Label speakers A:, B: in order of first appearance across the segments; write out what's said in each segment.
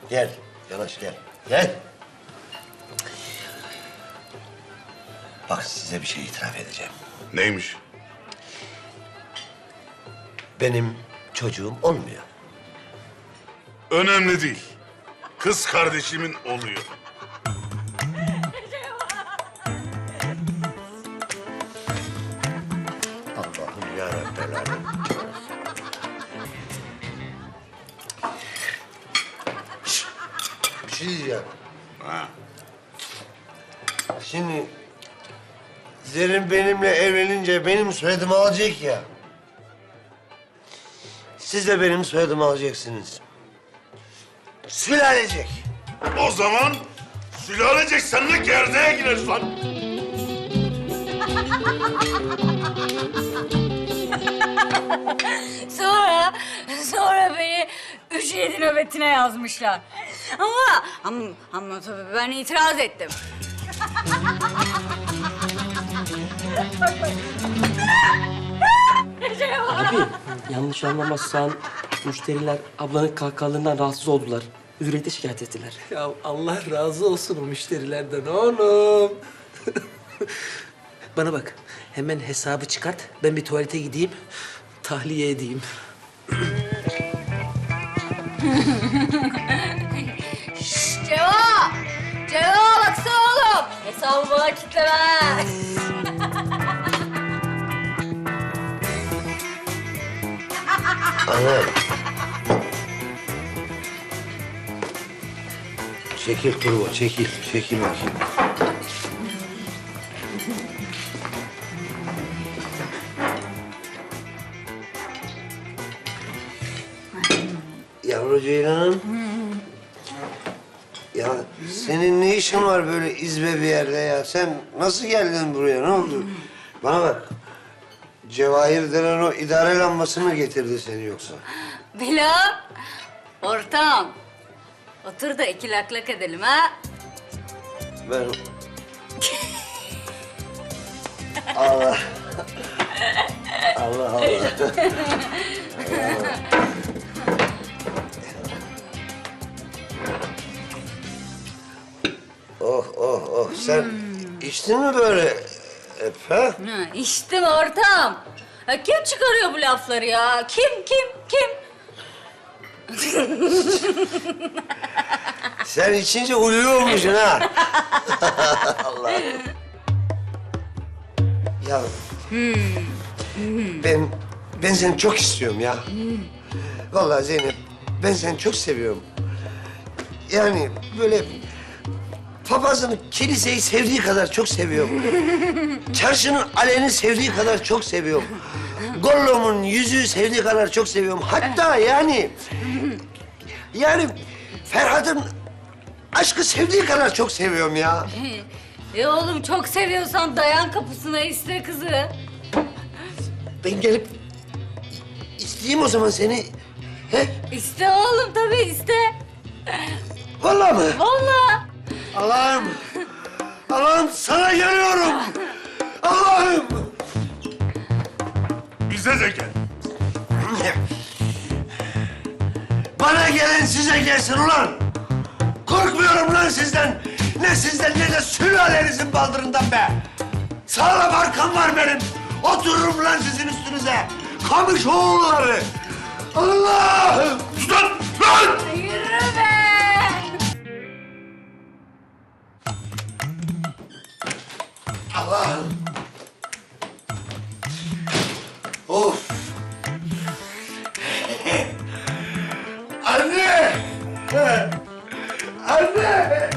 A: Gel, yanaş gel. Gel. Bak size bir şey itiraf edeceğim.
B: Neymiş?
A: Benim çocuğum olmuyor.
B: Önemli değil. Kız kardeşimin oluyor.
A: Allah'ım yarabbim. Bir şey diyeceğim.
B: Ha.
A: Şimdi Zerrin benimle evlenince benim soyadımı alacak ya. Siz de benim soyadımı alacaksınız. Sülalecek.
B: O zaman sülalecek seninle gerdeğe gireriz lan.
C: Sonra beni 3-7 nöbetine yazmışlar. Ama tabii ben itiraz ettim.
D: Abi yanlış anlamazsan müşteriler ablanın kahkahalarından rahatsız oldular. Hürriyete şikayet ettiler.
E: Ya Allah razı olsun o müşterilerden oğlum. Bana bak, hemen hesabı çıkart. Ben bir tuvalete gideyim, tahliye edeyim.
C: Ceva! Ceva baksana oğlum. Hesabı bana kitleme.
A: Ana. Çekil kurban, çekil. Çekil bakayım. Yavru Ceylan'ım. Ya senin ne işin var böyle izbe bir yerde ya? Sen nasıl geldin buraya? Ne oldu? Bana bak. Cevahir denen o idare lambası mı getirdi seni yoksa?
C: Bilal, ortam. Otur da 2 lak lak edelim ha.
A: Ben... Allah. Allah Allah. Oh oh oh. Sen içtin mi böyle hep ha?
C: Ha, içtim ortam. Ha, kim çıkarıyor bu lafları ya? Kim?
A: Sen içince uyuyor olmuşsun ha. Allah. Ya ben seni çok istiyorum ya. Vallahi Zeynep ben seni çok seviyorum. Yani böyle papazın kiliseyi sevdiği kadar çok seviyorum. Çarşının aleni sevdiği kadar çok seviyorum. Gollum'un yüzüğü sevdiği kadar çok seviyorum. Hatta yani Ferhat'ın aşkı sevdiği kadar çok seviyorum ya.
C: Oğlum çok seviyorsan dayan kapısına iste kızı.
A: Ben gelip isteyeyim o zaman seni. He?
C: İste oğlum tabii iste.
A: Vallahi mı?
C: Vallahi.
A: Allah'ım. Allah'ım sana geliyorum. Allah'ım.
B: Bize de gel.
A: Bana gelen size gelsin ulan. Korkmuyorum lan sizden. Ne sizden ne de sülalenizin baldırından be. Sağlam arkam var benim. Otururum lan sizin üstünüze. Kamış oğulları. Allah'ım.
B: Sus lan! Lan!
C: Yürü be.
A: Allah'ım. Of. Anne! Anne!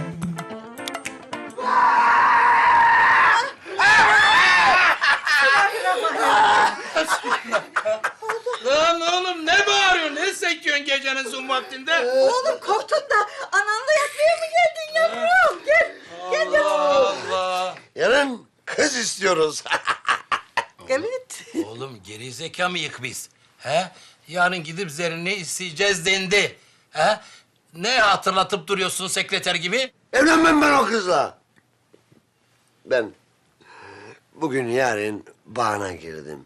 E: Lan oğlum ne bağırıyorsun? Ne sekiyorsun gecenin son vaktinde?
F: Oğlum korktun da ananla yatmaya mı geldin yavrum? Gel, gel yavrum.
E: Allah!
A: Yarın kız istiyoruz.
F: Evet.
G: Oğlum geri zeka mıyık biz? He? Yarın gidip Zerrin'i isteyeceğiz dendi. He? Ne hatırlatıp duruyorsun sekreter gibi?
A: Evlenmem ben o kızla. Ben bugün yarın bağına girdim.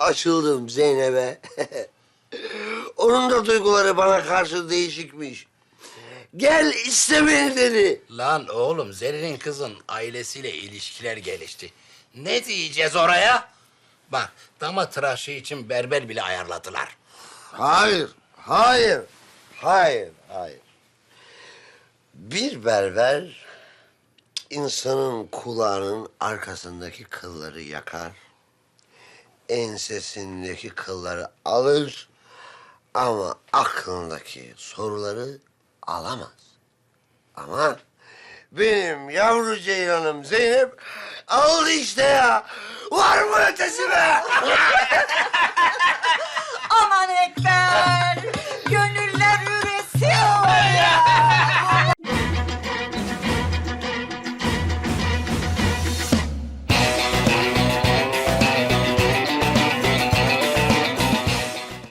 A: Açıldım Zeynep'e. Onun da duyguları bana karşı değişikmiş. Gel iste beni dedi.
G: Lan oğlum Zerrin'in kızın ailesiyle ilişkiler gelişti. Ne diyeceğiz oraya? Bak damat tıraşı için berber bile ayarladılar.
A: Hayır, hayır, hayır, hayır. Bir berber insanın kulağının arkasındaki kılları yakar, ensesindeki kılları alır ama aklındaki soruları alamaz. Ama benim yavru ceylanım Zeynep aldı işte ya. Var mı ötesi be?